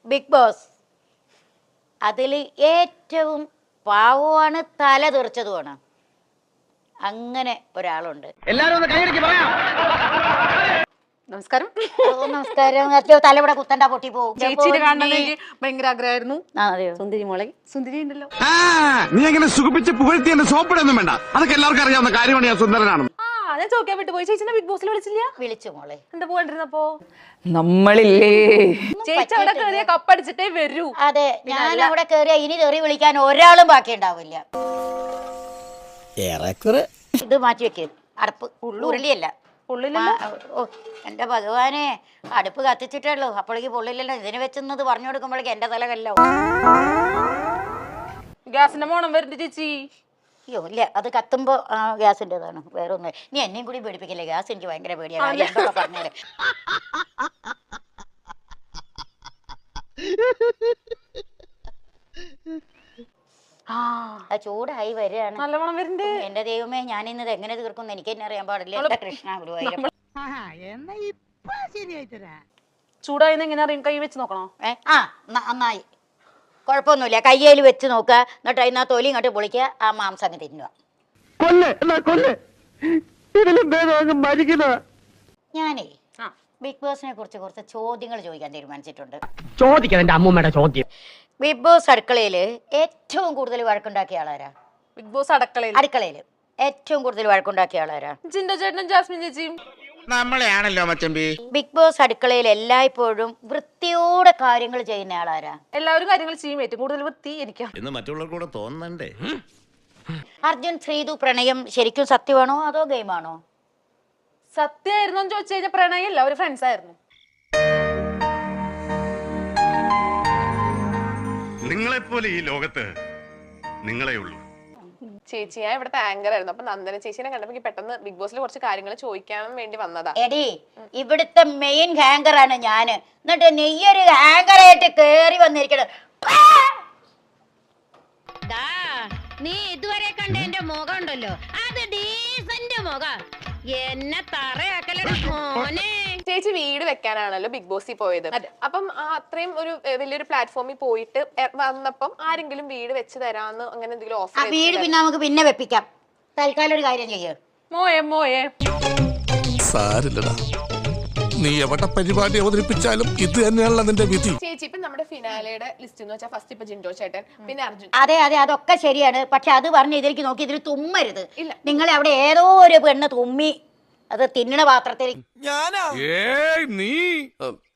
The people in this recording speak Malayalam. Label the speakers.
Speaker 1: ബിഗ് ബോസ് അതിൽ ഏറ്റവും പാവമാണ്, തല തെറിച്ചതുമാണ്. അങ്ങനെ ഒരാളുണ്ട്.
Speaker 2: നമസ്കാരം.
Speaker 1: നമസ്കാരം. തലവിടെ കുത്തണ്ട, പൊട്ടി പോകും.
Speaker 2: ചേച്ചിയുടെ കാണാൻ ഭയങ്കര ആഗ്രഹമായിരുന്നു.
Speaker 1: അതെയോ?
Speaker 2: സുന്ദരി മോളെ, സുന്ദരി ഉണ്ടല്ലോ.
Speaker 3: നീ അങ്ങനെ സുഖിപ്പിച്ച് പുകഴ്ത്തി എന്നെ സോപ്പിടൊന്നും വേണ്ട. അതൊക്കെ എല്ലാവർക്കും അറിയാവുന്ന കാര്യമാണ്. ഞാൻ സുന്ദരനാണ്.
Speaker 2: ഞാൻ ചോദിക്കാൻ വിട്ടു പോയി. ചേച്ചിനെ ബിഗ് ബോസിൽ വിളിച്ചില്ല?
Speaker 1: വിളിച്ചു മോളെ.
Speaker 2: എന്താ പോകണ്ടിരുന്നപ്പോ? നമ്മളില്ലേ ചേച്ചി അവിടെ കയറിയ കപ്പടിച്ചിട്ടേ വരൂ.
Speaker 1: അതെ, ഞാൻ അവിടെ കയറിയ ഇനി തെറി വിളിക്കാൻ ഒരാളും ബാക്കി ഉണ്ടാവില്ല. ഇത് മാറ്റി വെക്ക്. അടുപ്പ് ഉരുളിയല്ല. ഓ എന്റെ ഭഗവാനെ, അടുപ്പ് കത്തിച്ചിട്ടുള്ളൂ, അപ്പോഴേക്ക് പൊള്ളില്ലല്ലോ. ഇതിന് വെച്ചെന്നത് പറഞ്ഞു കൊടുക്കുമ്പോഴേക്ക് എന്റെ തല കല്ലോ.
Speaker 2: ഗ്യാസിന്റെ മോണം വരുന്നുണ്ട് ചേച്ചി.
Speaker 1: അയ്യോ ഇല്ല, അത് കത്തുമ്പോ ഗ്യാസിൻ്റെതാണ്, വേറെ ഒന്നും. നീ എന്നെയും കൂടി പേടിപ്പിക്കില്ലേ? ഗ്യാസ് എനിക്ക് ഭയങ്കര പേടിയാണ്. എന്തൊക്കെ പറഞ്ഞേരെ. ചൂടായി വരികയാണ്.
Speaker 2: നല്ല മണം വരുന്നുണ്ട്.
Speaker 1: എന്റെ ദൈവമേ, ഞാൻ ഇന്നത് എങ്ങനെ തീർക്കും എനിക്ക് തന്നെ അറിയാൻ പാടില്ല. കൃഷ്ണ ഗുരുവായൂരപ്പ.
Speaker 2: ചൂടായെന്ന് എങ്ങനെ അറിയും? കൈ വെച്ച് നോക്കണോ?
Speaker 1: നന്നായി, കുഴപ്പമൊന്നുമില്ല. കയ്യിൽ വെച്ച് നോക്കുക, എന്നിട്ട് അതിനാ തൊലി ഇങ്ങോട്ട് പൊളിക്കുക, ആ മാംസം അങ്ങ് തിന്നുക. ഞാനേ ബിഗ് ബോസിനെ കുറിച്ച് കുറച്ച് ചോദ്യങ്ങൾ ചോദിക്കാൻ തീരുമാനിച്ചിട്ടുണ്ട്.
Speaker 4: ചോദിക്കാൻ അമ്മൂമ്മയുടെ ചോദ്യം.
Speaker 1: ബിഗ് ബോസ് അടുക്കളയില് ഏറ്റവും കൂടുതൽ വഴക്കുണ്ടാക്കിയ ആളാരാ?
Speaker 2: ബിഗ് ബോസ്
Speaker 1: അടുക്കളയില് ഏറ്റവും കൂടുതൽ വഴക്കുണ്ടാക്കിയ ആളാരാ?
Speaker 2: ജിൻഡോ ചേട്ടനും ജാസ്മിൻ ചേച്ചിയും.
Speaker 3: നമ്മളെയാണല്ലോ മച്ചമ്പി.
Speaker 1: ബിഗ് ബോസ് അടുക്കളയിൽ എല്ലായ്പ്പോഴും വൃത്തിയോടെ കാര്യങ്ങൾ ചെയ്യുന്ന ആളാരാ?
Speaker 2: എല്ലാവരും കാര്യങ്ങൾ ചെയ്യും. ഏറ്റവും കൂടുതൽ വൃത്തി എനിക്കാ
Speaker 5: എന്ന് മറ്റുള്ളവർക്ക് കൂടെ തോന്നണ്ടേ?
Speaker 1: അർജുൻ ശ്രീതു പ്രണയം ശരിക്കും സത്യമാണോ അതോ ഗെയിമാണോ?
Speaker 2: സത്യമായിരുന്നോ എന്ന് ചോദിച്ചു കഴിഞ്ഞാൽ പ്രണയല്ല, ഒരു ഫ്രണ്ട്സ് ആയിരുന്നു.
Speaker 3: നിങ്ങളെപ്പോലെ ഈ ലോകത്ത് നിങ്ങളെ ഉള്ളൂ.
Speaker 6: ചേച്ചി, ഞാൻ ഇവിടുത്തെ ആങ്കർ ആയിരുന്നു. അപ്പൊ നന്ദന ചേച്ചിനെ കണ്ടപ്പോ പെട്ടെന്ന് ബിഗ് ബോസിൽ കുറച്ച് കാര്യങ്ങൾ ചോദിക്കാൻ വേണ്ടി വന്നതാ.
Speaker 1: എടി, ഇവിടുത്തെ മെയിൻ ഹാങ്കർ ആണ് ഞാന്. എന്നിട്ട് നെയ്യൊരു ഹാങ്കറായിട്ട് കേറി വന്നിരിക്കണ.
Speaker 7: നീ ഇതുവരെ കണ്ട എന്റെ മുഖം ഉണ്ടല്ലോ, അത് ഡീസന്റ് മുഖം. എന്നെ തറയാക്കലട മോനെ.
Speaker 6: ചേച്ചി വീട് വെക്കാനാണല്ലോ ബിഗ് ബോസിൽ പോയത്. അപ്പം അത്രയും ഒരു വലിയൊരു പ്ലാറ്റ്ഫോമിൽ പോയിട്ട് വന്നപ്പം ആരെങ്കിലും വീട് വെച്ച് തരാന്ന് അങ്ങനെ എന്തെങ്കിലും ഓഫർ?
Speaker 1: വീട് പിന്നെ നമുക്ക് പിന്നെ വെപ്പിക്കാം. തൽക്കാലം ഒരു കാര്യം ചെയ്യ്.
Speaker 2: മോയെ
Speaker 8: സാരില്ലടാ, നീ എവിടെ പരിപാടി അവതരിപ്പിച്ചാലും ഇത് തന്നെയാണല്ലോ നിന്റെ വിധി.
Speaker 6: ചേച്ചി, ഇപ്പൊ നമ്മുടെ ഫിനാലയുടെ ലിസ്റ്റ് എന്ന് വെച്ചാൽ ഫസ്റ്റ് ഇപ്പൊ ജിൻഡോ ചേട്ടൻ, പിന്നെ അർജുൻ.
Speaker 1: അതെ അതൊക്കെ ശരിയാണ്. പക്ഷെ അത് പറഞ്ഞ് ഇതിലേക്ക് നോക്കി ഇതിൽ തുമ്മരുത്. നിങ്ങളെ അവിടെ ഏതോ ഒരു പെണ്ണ് തുമ്മി, അത് തിന്നണ പാത്രത്തിൽ.
Speaker 8: നീ